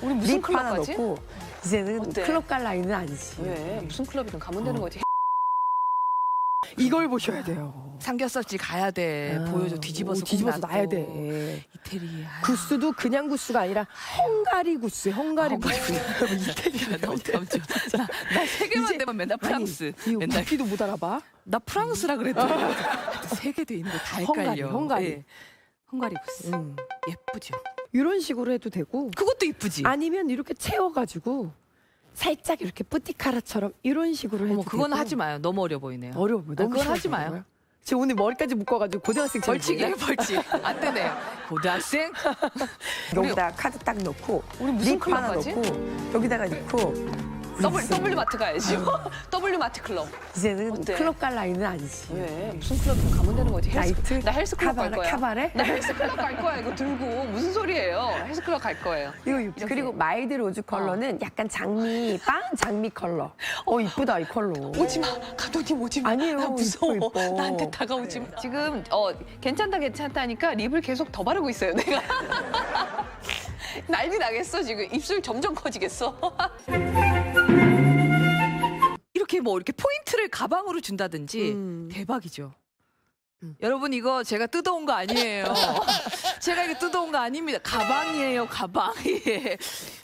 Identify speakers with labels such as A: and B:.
A: 우리 무슨
B: 립 하나
A: 클럽 가지?
B: 넣고 이제는
A: 어때?
B: 클럽 갈 나이는 아니지.
A: 왜? 무슨 클럽이든 가면 되는 거지.
B: 이걸 보셔야 돼요.
C: 삼겹살집 가야 돼. 보여줘. 뒤집어서 꼭
B: 뒤집어서
C: 놔둬.
B: 놔야 돼.
C: 이태리.
B: 구스도 그냥 구스가 아니라 헝가리 구스, 헝가리 구스.
C: 이태리가 너무 깜짝. 나세 개만
B: 이제-
C: 되면 맨날 프랑스.
B: 아니,
C: 맨날
B: 우리도 못 알아봐.
C: 나 프랑스라 그랬더니 세 개 돼 있는 거 다 헷갈려.
B: 헝가리.
C: 예. 헝가리 구스.
B: 음.
C: 예쁘죠.
B: 이런 식으로 해도 되고
C: 그것도 이쁘지.
B: 아니면 이렇게 채워가지고 살짝 이렇게 뿌띠카라처럼 이런 식으로 해도
C: 어머 그건
B: 되고.
C: 하지 마요. 너무 어려 보이네요.
B: 어려워 보여. 너무
C: 그건 하지
B: 심하게
C: 마요.
B: 어려워요. 지금 오늘 머리까지 묶어가지고 고등학생처럼
C: 벌칙이에요,
B: 보이네.
C: 벌칙. 안 되네요. 고등학생?
B: 여기다 카드 딱 넣고
A: 우리 무슨
B: 립
A: 클럽
B: 하나
A: 가지?
B: 넣고 여기다가 넣고
A: W 마트 가야지. W 마트 클럽.
B: 이제는
A: 어때?
B: 클럽 갈 나이는 아니지.
A: 왜? 무슨 클럽이든 가면 되는 거지.
B: 나이트?
A: 나 헬스 클럽 갈 거야.
B: 카바레?
A: 나 헬스 클럽 갈 거야. 이거 들고 무슨 소리예요? 헬스 클럽 갈 거예요.
B: 이거 그리고 마일드 로즈 컬러는 약간 장미 빵 장미 컬러. 이쁘다 이 컬러.
A: 오지 마. 감독님 오지 마.
B: 아니에요,
A: 나 무서워.
B: 이뻐, 이뻐.
A: 나한테 다가오지 마. 지금 괜찮다 괜찮다니까 립을 계속 더 바르고 있어요. 내가. 난리 나겠어 지금. 입술 점점 커지겠어.
C: 이렇게 뭐 이렇게 포인트를 가방으로 준다든지 대박이죠. 여러분 이거 제가 뜯어온 거 아니에요. 제가 이거 뜯어온 거 아닙니다. 가방이에요, 가방. 예.